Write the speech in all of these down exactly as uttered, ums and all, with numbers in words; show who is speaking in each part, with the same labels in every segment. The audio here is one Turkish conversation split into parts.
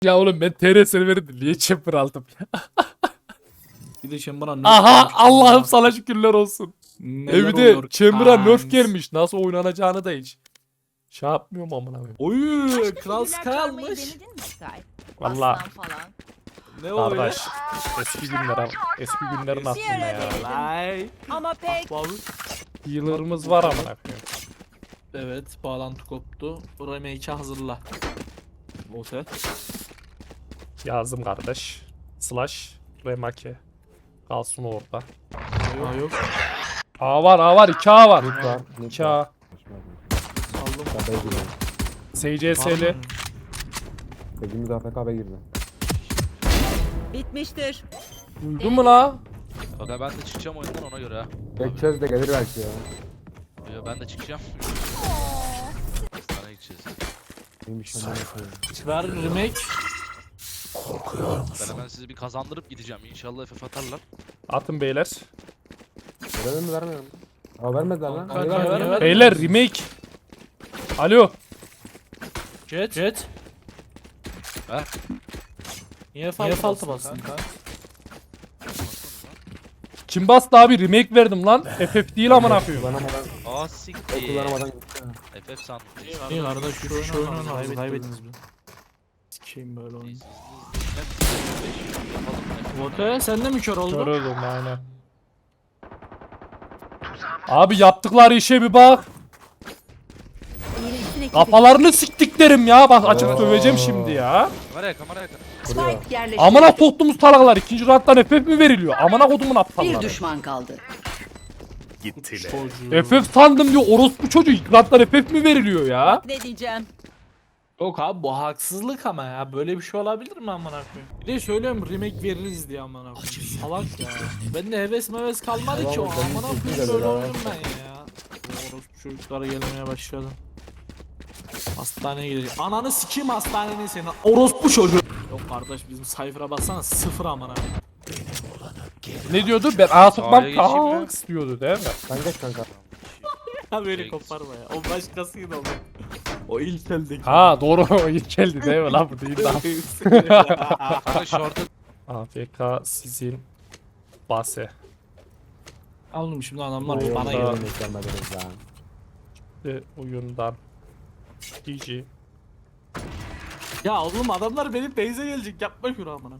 Speaker 1: Ya oğlum ben T R serveri niye chamber aldım ya?
Speaker 2: Bir de Chamber'a nerf
Speaker 1: Aha
Speaker 2: gelmiş.
Speaker 1: Allah'ım sana şükürler olsun.
Speaker 2: Neler
Speaker 1: E bir de
Speaker 2: oluyor
Speaker 1: chamber'a nerf
Speaker 2: kanks?
Speaker 1: gelmiş. Nasıl oynanacağını da hiç. Şey yapmıyorum amına koyayım.
Speaker 2: Oy Kral Sky
Speaker 3: Figürler çalmayı
Speaker 2: almış.
Speaker 3: denedin mi Sky?
Speaker 1: Vallahi.
Speaker 3: Aslan falan.
Speaker 2: Ne o
Speaker 1: Kardeş
Speaker 2: öyle?
Speaker 1: eski günler abi. Eski günlerin aklına ya.
Speaker 2: Lay.
Speaker 3: Ama pek
Speaker 2: Abi.
Speaker 1: Healer'ımız var amına koyayım.
Speaker 2: Evet bağlantı koptu. Remake'i hazırla. Otel.
Speaker 1: Yazdım kardeş. Slash remake. Kalsın orada.
Speaker 2: Aa yok.
Speaker 1: A var A var iki A var.
Speaker 4: Mid var. Mid
Speaker 1: iki
Speaker 4: var.
Speaker 1: A.
Speaker 2: Aldım.
Speaker 4: Kafaya girdi.
Speaker 1: S C S'li.
Speaker 4: Dediğimiz A F K B'ye girdi.
Speaker 3: bitmiştir.
Speaker 1: Duydun mu la?
Speaker 5: Aga ben de çıkacağım oyundan ona göre ha.
Speaker 4: Tek çöz de gelir belki ya.
Speaker 5: Yo, ben de çıkacağım. Sana gideceğiz.
Speaker 4: Neymiş lan bu?
Speaker 2: Ver remake.
Speaker 5: Ben hemen sizi bir kazandırıp gideceğim. İnşallah F F atarlar.
Speaker 1: Atın beyler.
Speaker 4: Verelim mi vermeyelim mi? Aa vermediler lan.
Speaker 2: Kanka,
Speaker 4: Niye vermediler?
Speaker 2: ver, ver.
Speaker 1: Beyler remake. Alo.
Speaker 2: Jet. Jet.
Speaker 5: Ver.
Speaker 2: Niye falta, Niye falta bastın kanka?
Speaker 1: Kim bastı abi remake verdim lan. F F değil amına koyayım.
Speaker 4: Kullanamadan,
Speaker 5: Aa
Speaker 4: o
Speaker 5: siktir.
Speaker 4: kullanamadan gitti.
Speaker 5: F F sandım.
Speaker 2: İyi kardeş şu, şu oyunu kaybettiniz, kaybettiniz mi? Sikeyim böyle oyunu. Vote sen de mi kör oldun?
Speaker 1: Kör oldum aynen. Abi yaptıkları işe bir bak.
Speaker 3: İyileşsin ekibi.
Speaker 1: Kafalarını siktiklerim ya. Bak açık
Speaker 4: Oo.
Speaker 1: söyleyeceğim şimdi ya.
Speaker 5: Kameraya kameraya.
Speaker 4: Kuruyor.
Speaker 3: Spike yerleştirildi.
Speaker 1: Amına soktuğumuz talaklar ikinci round'dan F F mi veriliyor? Amına kodumun
Speaker 3: Bir
Speaker 1: aptalları.
Speaker 3: düşman kaldı.
Speaker 2: Çocuğu.
Speaker 1: F F sandım diyor orospu çocuğu ilk round'dan F F mi veriliyor ya?
Speaker 3: Ne diyeceğim?
Speaker 2: Yok abi bu haksızlık ama ya böyle bir şey olabilir mi amına koyayım? Bir de söylüyorum remake veririz diye amına koyayım. Salak ya. Ben de heves meves kalmadı ki o
Speaker 4: Tamam, benim
Speaker 2: amına
Speaker 4: kesin
Speaker 2: koyayım
Speaker 4: de
Speaker 2: böyle
Speaker 4: ya.
Speaker 2: oyunum ben ya. Orospu çocuklara gelmeye başladı. Hastaneye gidecek. Ananı sikeyim hastanenin senin. Orospu çocuğu. Yok kardeş bizim sayfara baksana sıfır amına koyayım.
Speaker 1: Ne diyordu? Ben A sokmam
Speaker 5: Sahaya geçeyim mi?
Speaker 1: kanks diyordu değil mi?
Speaker 4: Sen geç kanka.
Speaker 2: Ha beni
Speaker 5: Peki.
Speaker 2: koparma ya. O başkasıydı o. O ilk eldeki.
Speaker 1: Ha doğru o ilk geldi değil mi lan bu değil lan.
Speaker 5: Kanka short'a
Speaker 1: A F K sizin base.
Speaker 2: Anladım şimdi adamlar
Speaker 1: Oyunda-
Speaker 2: bana
Speaker 4: Oyunda
Speaker 2: geliyor.
Speaker 4: beklenmediniz lan.
Speaker 1: İşte oyundan. G G.
Speaker 2: Ya oğlum adamlar benim base'e gelecek yapma şunu amına.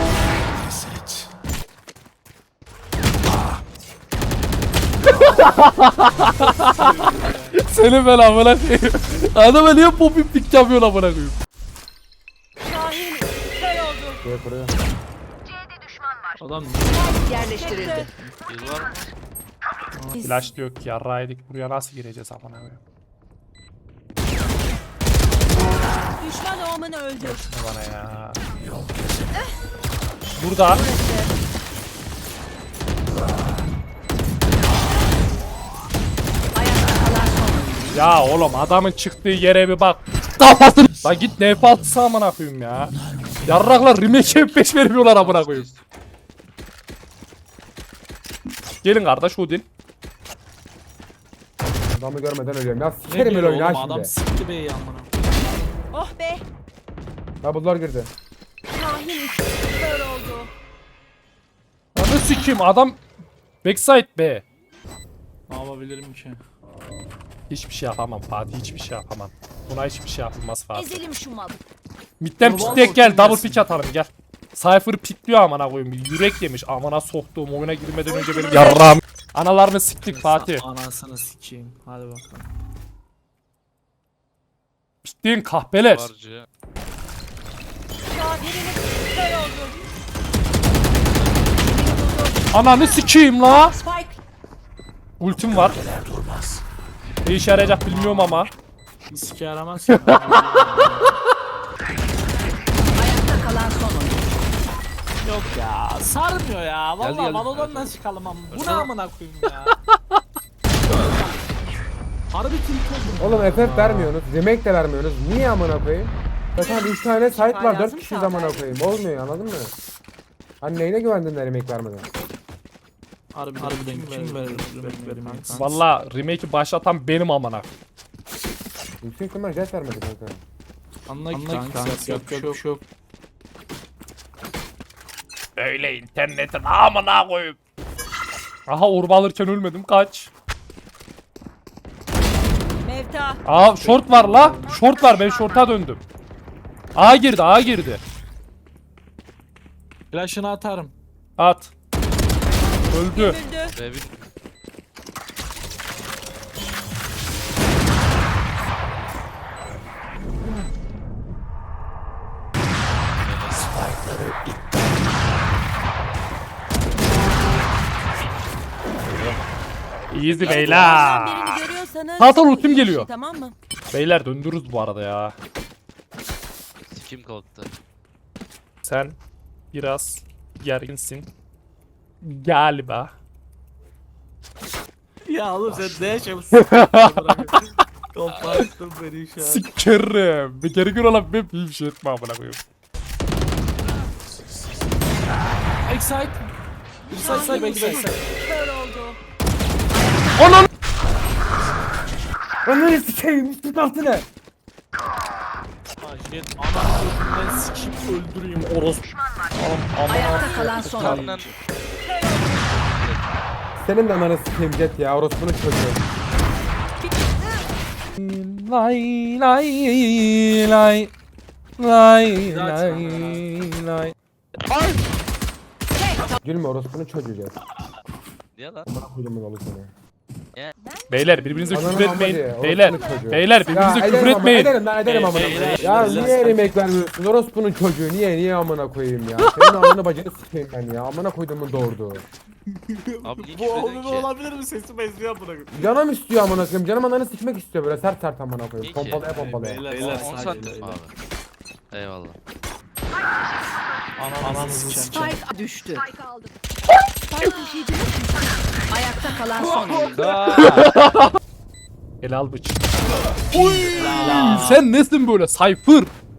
Speaker 1: Seni ben amına koyayım. Adama niye popim dik yapıyorsun amına koyayım?
Speaker 3: Şahin kör oldu.
Speaker 4: Kuruyor kuruyor.
Speaker 2: Adam
Speaker 3: Yerleştirildi.
Speaker 5: yıl var mı?
Speaker 1: Flash diyor ki yarraydık buraya nasıl gireceğiz amına koyayım?
Speaker 3: Düşman olmanı öldür.
Speaker 1: Ne bana ya? Burada.
Speaker 3: Ayakta kalan son oyuncu.
Speaker 1: Ya oğlum adamın çıktığı yere bir bak. Kafasını. Lan git N F altısı amına koyayım ya. Yarraklar remake F beş vermiyorlar amına koyayım. Gelin kardeş Odin.
Speaker 4: Adamı görmeden ölüyorum. Ya
Speaker 2: ne
Speaker 4: sikerim
Speaker 2: diyor
Speaker 4: öyle oyunu
Speaker 2: oğlum
Speaker 4: ha
Speaker 2: adam
Speaker 4: şimdi.
Speaker 2: sikti beyi amına.
Speaker 3: Oh be.
Speaker 4: Double'lar girdi.
Speaker 3: Şahin kör oldu.
Speaker 1: Anı sikeyim adam. Backside be.
Speaker 2: Ne yapabilirim ki?
Speaker 1: Hiçbir şey yapamam Fatih hiçbir şey yapamam. Buna hiçbir şey yapılmaz Fatih.
Speaker 3: Ezelim şu malı.
Speaker 1: Midden
Speaker 2: Ama
Speaker 1: pikleyek
Speaker 2: vallahi
Speaker 1: gel double
Speaker 2: gelsin.
Speaker 1: pick atalım gel. Cypher'ı pikliyor amına koyayım. Bir yürek yemiş. Amına soktuğum oyuna girmeden önce benim yarrağım. Analarını siktik Fatih.
Speaker 2: Anasını sikeyim. Hadi bakalım.
Speaker 1: Piktiğin kahpeler.
Speaker 5: Varcı.
Speaker 3: Şahin'in kör oldu.
Speaker 1: Ananı sikeyim la.
Speaker 3: Spike
Speaker 1: Ultim var. Ne işe yarayacak bilmiyorum ama.
Speaker 2: Bir sike yaramaz ya.
Speaker 3: ayakta kalan son oyuncu.
Speaker 2: Yok ya sarmıyor ya.
Speaker 5: Geldi,
Speaker 2: Vallahi
Speaker 5: geldi.
Speaker 2: Valorant'dan çıkalım ama. Bu ne
Speaker 5: Öyle.
Speaker 2: amına koyayım ya. Harbi tilt oldum.
Speaker 4: Oğlum F F vermiyorsunuz. Remake de vermiyorsunuz. Niye amına koyayım? Zaten üç tane site var. dört
Speaker 3: lazım
Speaker 4: kişi
Speaker 3: sana.
Speaker 4: amına koyayım. Olmuyor anladın mı? Hani neyine güvendin de remake vermeden?
Speaker 2: Harbiden, Harbiden kim verir? Remake verir kanka.
Speaker 1: Valla remake'i başlatan benim amına.
Speaker 4: Yüksek ihtimal jet vermedi kanka.
Speaker 2: Anla ki kanka. Yapacak bir şey yok.
Speaker 1: Öyle internetin amına koyup. Aha orba alırken ölmedim kaç.
Speaker 3: Mevta.
Speaker 1: Aa short var la. Short var ben short'a döndüm. A girdi A girdi.
Speaker 2: Flash'ını atarım.
Speaker 1: At. Öldü.
Speaker 3: Öldü.
Speaker 5: B bir.
Speaker 1: Easy
Speaker 3: Birini
Speaker 1: beyler.
Speaker 3: görüyorsanız.
Speaker 1: Hasan ultim
Speaker 3: iki
Speaker 1: geliyor.
Speaker 3: kişi, Tamam mı?
Speaker 1: Beyler döndürürüz bu arada ya.
Speaker 5: Sikim kalktı.
Speaker 1: Sen biraz gerginsin. Galiba.
Speaker 2: Ya oğlum sen ne yaşamışsın? Koparttın beni şu an.
Speaker 1: Sikerim. Bir geri gün olan bir bir şey etme amına koyayım.
Speaker 2: Excite. Excite say belki de excite.
Speaker 3: Kör oldu.
Speaker 1: Onun
Speaker 4: Ananı sikeyim üstün altına.
Speaker 2: Jet ana götünden sikip öldüreyim orospu.
Speaker 3: Ayakta kalan son oyuncu.
Speaker 5: Karnından
Speaker 4: Senin de ananı sikeyim Jet ya orospunun çocuğu.
Speaker 1: lay lay lay lay lay lay.
Speaker 4: Gülme orospunun çocuğu Jet.
Speaker 5: niye lan?
Speaker 4: Amına koydum ben onu sana.
Speaker 1: Beyler birbirinize
Speaker 4: Ananı
Speaker 1: küfür
Speaker 4: amına
Speaker 1: etmeyin.
Speaker 4: diye,
Speaker 1: Beyler
Speaker 4: orospu çocuğu.
Speaker 1: beyler birbirinize küfür
Speaker 4: ederim ama,
Speaker 1: etmeyin.
Speaker 4: Ederim lan ederim amına
Speaker 2: Beyler,
Speaker 4: koyayım. Ya
Speaker 2: beyler,
Speaker 4: niye
Speaker 2: sakin.
Speaker 4: yemek vermiyorsun orospunun çocuğu niye niye amına koyayım ya. Senin amına bacını sikeyim ben ya amına koyduğumun doğurdu.
Speaker 5: Abi niye
Speaker 2: Bu
Speaker 5: küfür
Speaker 2: oğlum
Speaker 5: ediyorsun ki?
Speaker 2: olabilir mi? Sesi benziyor buna.
Speaker 4: Canım istiyor amına koyayım canım ananı sikmek istiyor böyle sert sert amına koyayım.
Speaker 5: Niye ki?
Speaker 4: Pompalaya pompalaya.
Speaker 2: Beyler,
Speaker 5: on
Speaker 2: beyler,
Speaker 5: on
Speaker 2: sakin,
Speaker 5: santim
Speaker 2: beyler.
Speaker 5: abi. Eyvallah.
Speaker 2: Ananızı sikeceğim.
Speaker 3: Spike düştü. Spike taşıyıcı. Ayakta kalan son oyuncu.
Speaker 1: El al bıç. Sen nesin böyle Cypher?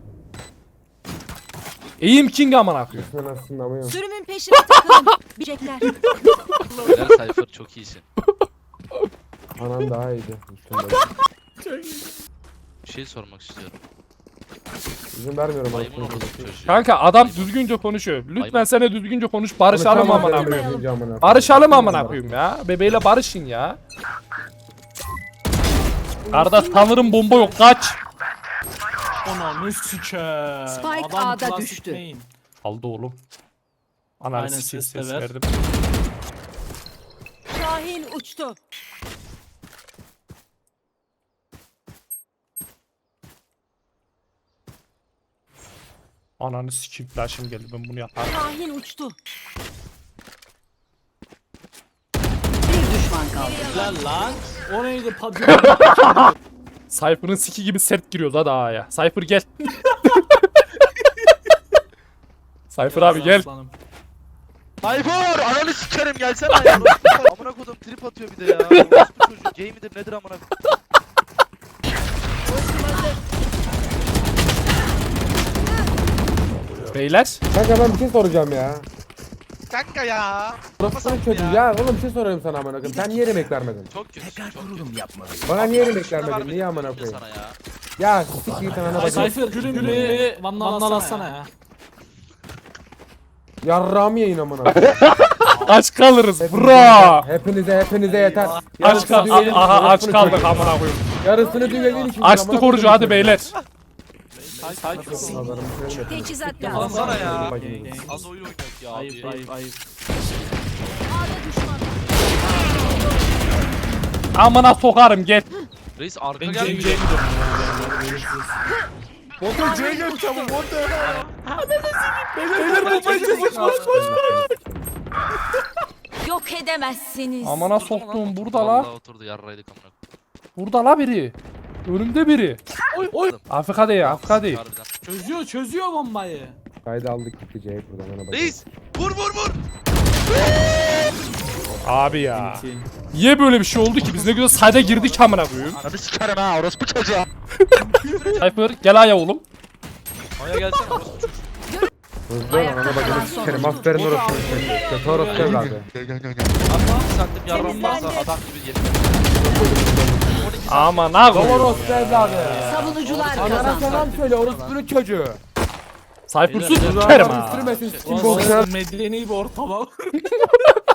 Speaker 1: Aim King amına koyayım.
Speaker 4: Sen aslında ama yok.
Speaker 3: Sürümün peşine takılın. Bilecekler.
Speaker 5: Helal Cypher çok iyisin.
Speaker 4: Anan daha iyiydi. Üstünde.
Speaker 5: Bir şey sormak istiyorum.
Speaker 4: İzin vermiyorum
Speaker 5: Maymun
Speaker 4: orospunun
Speaker 5: orospu
Speaker 4: çocuğu.
Speaker 5: çocuğu.
Speaker 1: Kanka adam düzgünce konuşuyor. Lütfen
Speaker 5: Aynen.
Speaker 1: sen de düzgünce konuş. Barışalım
Speaker 4: Konuşamam
Speaker 1: amına
Speaker 4: benim
Speaker 1: koyayım.
Speaker 4: amına koyayım.
Speaker 1: Barışalım amına koyayım ya. Bebeğiyle barışın ya. Kardeş tanırım bomba yok kaç.
Speaker 2: Ananı sikeyim.
Speaker 3: Spike
Speaker 2: Adam
Speaker 3: A'da
Speaker 2: klasik
Speaker 3: düştü.
Speaker 2: main.
Speaker 1: Aldı oğlum. Ananı
Speaker 2: Aynen,
Speaker 1: sikeyim
Speaker 2: ses de
Speaker 1: ses
Speaker 2: ver.
Speaker 1: verdim.
Speaker 3: Şahin uçtu.
Speaker 1: Ananı sikeyim flash'ım geldi ben bunu yaparım.
Speaker 3: Şahin uçtu. Bir düşman kaldı.
Speaker 2: Lan lan. O neydi padyon?
Speaker 1: Cypher'ın siki gibi sert giriyoruz hadi A'ya. Cypher gel. Cypher abi gel.
Speaker 2: Aslanım.
Speaker 5: Cypher! Ananı sikerim gelsene ya. Orospu- Amına kodum trip atıyor bir de ya. Orospu çocuğu. Gay midir nedir amına kodum.
Speaker 1: Beyler.
Speaker 4: Kanka ben bir şey soracağım ya.
Speaker 5: Kanka ya.
Speaker 4: Orospunun çocuğu ya. Oğlum bir şey soruyorum sana amına koyayım. Sen niye yemek vermedin?
Speaker 5: Çok kötü. Çok kötü.
Speaker 4: Bana niye yemek
Speaker 5: Şuna
Speaker 4: vermedin?
Speaker 5: vermedim
Speaker 4: Niye amına
Speaker 5: diyorum
Speaker 4: koyayım?
Speaker 5: sana ya.
Speaker 4: Ya sik git anana
Speaker 2: Ay
Speaker 4: bacını.
Speaker 2: Cypher gülüm gülüm. Vandal atsana ya.
Speaker 4: Yarrağımı yiyin amına koyayım.
Speaker 1: Aç kalırız
Speaker 4: Hepinize
Speaker 1: bro.
Speaker 4: yeter, Hepinize hepinize yeter.
Speaker 1: Aç
Speaker 4: Yarısını
Speaker 1: kal
Speaker 4: düğenin için
Speaker 1: aha aç
Speaker 4: orospunun
Speaker 1: kaldık
Speaker 4: çocuğu.
Speaker 1: amına koyayım.
Speaker 4: Yarısını düğenin için.
Speaker 1: Açtık orucu hadi beyler.
Speaker 3: Teçhizat
Speaker 2: Lan
Speaker 3: lazım.
Speaker 5: sana ya.
Speaker 4: Bacını.
Speaker 5: Az oyun oynuyoruz ya abi.
Speaker 2: Ayıp ayıp ayıp.
Speaker 3: A'da düşman.
Speaker 1: Amına sokarım gel.
Speaker 5: Reis arka
Speaker 2: Ben C'ye
Speaker 5: gel.
Speaker 2: gidiyorum.
Speaker 3: Yok edemezsiniz.
Speaker 1: Amına soktuğum burada la.
Speaker 5: Vallahi oturdu yarraydık amına kodum.
Speaker 1: Burada la biri. Önümde biri.
Speaker 2: Oy oy.
Speaker 1: Afrika değil Afrika değil.
Speaker 5: Harbiden.
Speaker 2: Çözüyor çözüyor bombayı.
Speaker 4: Kaydı aldık gitti C'ye buradan ana bacını.
Speaker 5: Reis vur vur vur.
Speaker 1: Abi ya. Niye böyle bir şey oldu ki? Biz ne güzel sayda girdik amına koyayım.
Speaker 5: Hadi sikerim ha orospu çocuğa.
Speaker 1: Cypher gel aya oğlum.
Speaker 5: Aya gelsene orospu çocuğu.
Speaker 4: Hızlı ol ana bacını sikerim. Aferin orospunun çocuğu. Kötü orospu evladı.
Speaker 5: Hatta sandım yarram varsa adam gibi yemin ederim.
Speaker 1: Aman ha
Speaker 4: Doğru
Speaker 1: koyayım.
Speaker 4: orospu evladı.
Speaker 3: Savunucular
Speaker 4: Anana
Speaker 3: kazandı.
Speaker 4: selam söyle orospunun çocuğu.
Speaker 1: Cypher'sız
Speaker 2: Beyler,
Speaker 1: sikerim
Speaker 4: Adam
Speaker 1: ha.
Speaker 4: üstürmesin sikim
Speaker 2: Ulan
Speaker 4: boksa.
Speaker 2: medeni bir ortama.